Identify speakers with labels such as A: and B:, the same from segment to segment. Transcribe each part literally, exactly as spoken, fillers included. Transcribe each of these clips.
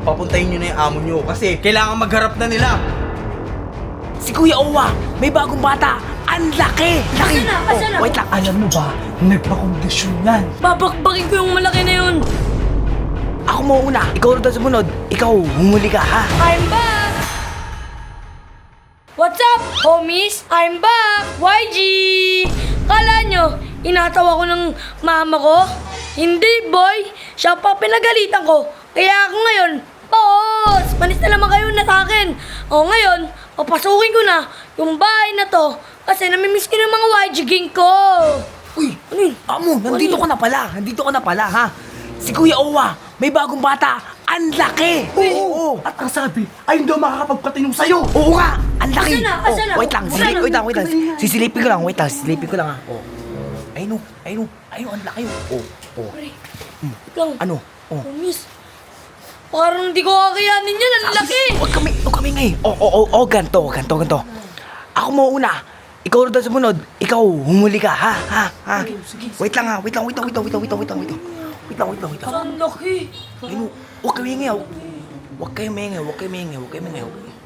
A: papuntahin nyo na yung amo nyo kasi kailangan magharap na nila.
B: Si Kuya Owa, may bagong bata. Ang laki! Laki!
C: Asa na? Asa na?
B: Oh, wait lang.
D: Alam mo ba, nagpakondisyon yan.
C: Babakbakin ko yung malaki na yun.
B: Ako muna. Ikaw rin daw sumunod. Ikaw, humuli ka, ha?
C: I'm back! What's up, homies? I'm back! Y G! Kala nyo, inatawa ko ng mama ko? Hindi, boy! Siya pa pinagalitan ko. Kaya ako ngayon, boss! Manis na naman kayo na sa akin. O ngayon, papasukin ko na yung bahay na to kasi namimiss ko ng mga Y G gang ko.
B: Uy,
C: Ano yun?
B: amo, nandito ka na pala. Nandito ka na pala, ha? Si Kuya Owa, may bagong bata. Ang laki!
D: Oo, At ang sabi, ay hindi ako makakapagpatinong sa'yo.
B: Oo nga! Ang laki!
C: Asa na? Asa na?
B: Oh, wait lang,
C: Asa
B: silip,
C: na?
B: wait lang, wait lang. Sisilipin ko lang, wait lang, sisilipin ko lang, ha? Oh. Ayun, oh, ayun, oh, ayun, ang laki, oh. Oh,
C: Pre, lang.
B: ano? Oh.
C: Homies, parang hindi ko kakayanin yan. Ang laki!
B: Huwag kami, huwag kami ngayon. Oh, oh, oh, oh, ganto, ganto, ganto. Ako mo una. Ikaw rin daw sumunod. Ikaw, humuli ka, ha? Ha? Ha? Wait lang, ha? Wait lang, wait lang, wait lang, wait lang, wait lang, wait lang, wait lang. Wait lang, wait lang, wait lang.
C: Ang laki!
B: Ayun, oh, huwag kayo maingay, oh. Huwag kayo maingay, huwag kayo maingay, huwag kayo maingay.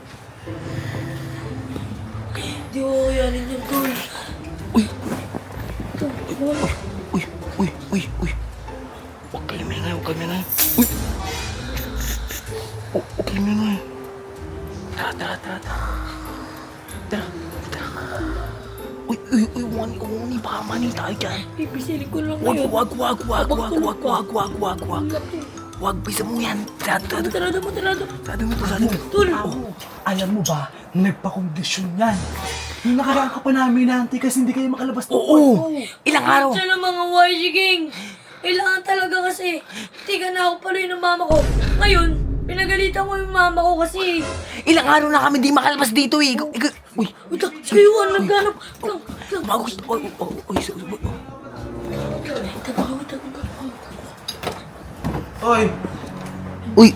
C: Hindi ko kakayanin yan, tol.
B: Uy! Uy, uy, uy, uy. Huwag kayo maingay, huwag kayo maingay. Uy! Oh, huwag kayo maingay. Tara, tara, tara, tara. Tara, tara. Uy, uy, uy, wani, wani, baka mani tayo dyan.
C: Pipisilin ko lang
B: Wag,
C: ngayon.
B: wag, wag, wag, wag, wag, wag, wag, wag, wag.
C: Ang laki.
B: Wag, bisa mo yan. Sarado, sarado.
C: Tarado mo, tarado.
B: Sarado mo to, sarado mo.
C: Tol!
D: Amo, alam mo ba, nagpakondisyon yan. Yung nakaraan ka pa namin naantay kasi hindi kayo makalabas doon.
B: Oo! Ilang araw?
C: Siya ng mga Y G gang. Kailangan talaga kasi. Tiga na ako pala ng mama ko. Ngayon, pinagalitan ko yung mama ko kasi.
B: Ilang araw na kami di makalabas dito eh. Ikaw- ikaw- Uy!
C: Wait lang, si Kuya Juan, naghanap. Lang, lang.
B: Magos! Uy, uy, uy, uy, uy, uy.
C: Tago, tago, tago.
A: Oy,
B: Uy!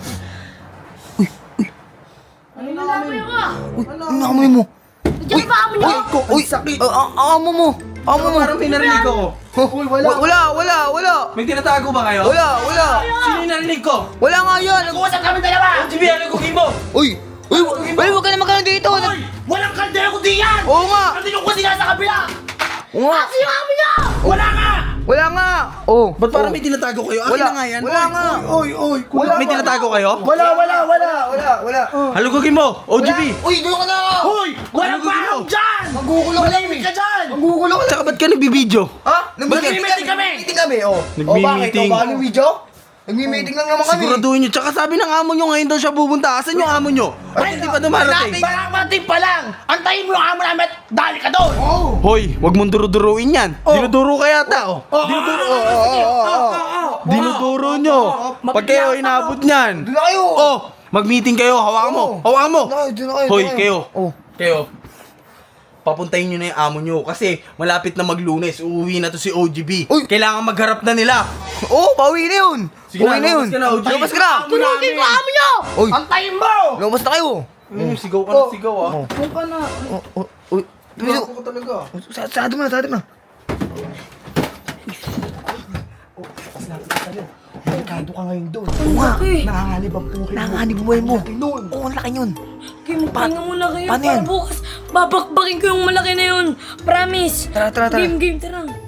C: Ano na ka?
B: Uy! Ano nakamoy mo?
C: Diyan ba kami niyo?
B: Uy! Ah, ah, Amo mo! Amo mo!
A: parang may narinig ako.
B: Uy, wala! Wala, wala, wala!
A: May tinatago ba kayo?
B: Wala, wala!
A: Sino yung narinig ko?
B: Wala nga yan!
E: Usap kami dalawa!
A: O, G B, ano gugin mo?
B: Uy! Uy! Uy! Huwag ka na magkano dito!
E: Hoy! Walang kaldero kundi yan!
B: Oo nga!
E: Nandito ko sila sa kabila!
B: Oo nga!
E: Kasi yung kami niyo! Wala nga!
B: Wala nga! Oh!
A: Ba't parang may tinatago kayo? Akin
B: Wala
A: na nga yan.
B: Wala nga!
D: Oy, oy,
A: Wala, may tinatago kayo?
D: Wala, wala, wala, wala, wala.
A: Halugugin mo, O G B.
B: Uy! Doon ka na!
E: Hoy! Walang
A: Ano
E: parang
A: gusto?
E: dyan!
B: Magugulo ka
E: Malimit ka dyan!
B: Magugulo ka
A: Tsaka ba't ka nagbibideo?
B: Ha?
E: Nagmi-meeting kami!
B: Meeting kami, oh.
A: Nagmi-meeting.
B: O bakit? O ba ano video? Nagmi-meeting lang naman kami.
A: Siguraduhin nyo. Tsaka sabi ng amo nyo ngayon daw siya pupunta. Asan yung amo nyo? Ba't hindi pa dumarating?
E: Maramating pa lang! Antayin mo yung amo namin at dali ka doon!
B: Oh.
A: Hoy, wag mong duro-duruin yan. Dinuduro ka yata, oh.
E: Dinuduro! Oh, oh, oh, oh, oh.
A: Dinuduro nyo. Pag kayo inabot niyan.
B: Doon na kayo.
A: Oh, mag-meeting kayo. Hawakan mo. Hawakan mo.
B: Doon na kayo, doon na kayo.
A: Hoy,
B: doon na
A: kayo.
B: Oh.
A: Kayo. Papuntahin nyo na yung amo nyo kasi malapit na maglunes. Uuwi na to si O G B.
B: Uy.
A: Kailangan magharap na nila.
B: Oh, pauwi na yun.
A: Sige na,
B: Uwi na yun.
A: lumabas ka na, O G.
B: Lumabas ka na.
E: Tunugin ko amo niyo!
B: Uy.
E: Antayin mo!
B: Lumabas na kayo.
A: Mm, sigaw ka na sigaw, ah.
D: Huwag ka na.
B: Oh, oh, uy. Tumiso.
A: Ako talaga.
B: Sa- Sarado mo na, sarado mo na.
D: Delikado ka ngayon doon.
B: Oo nga.
C: laki.
D: Nanganganib ang buhay mo.
B: Nanganganib buhay mo.
D: Noon.
B: Oo, ang laki yun.
C: Okay, magpahinga muna kayo.
B: paano
C: Para
B: yan?
C: bukas, babakbakin ko yung malaki na yun. Promise.
B: Tara, tara, tara.
C: Game, game, tara.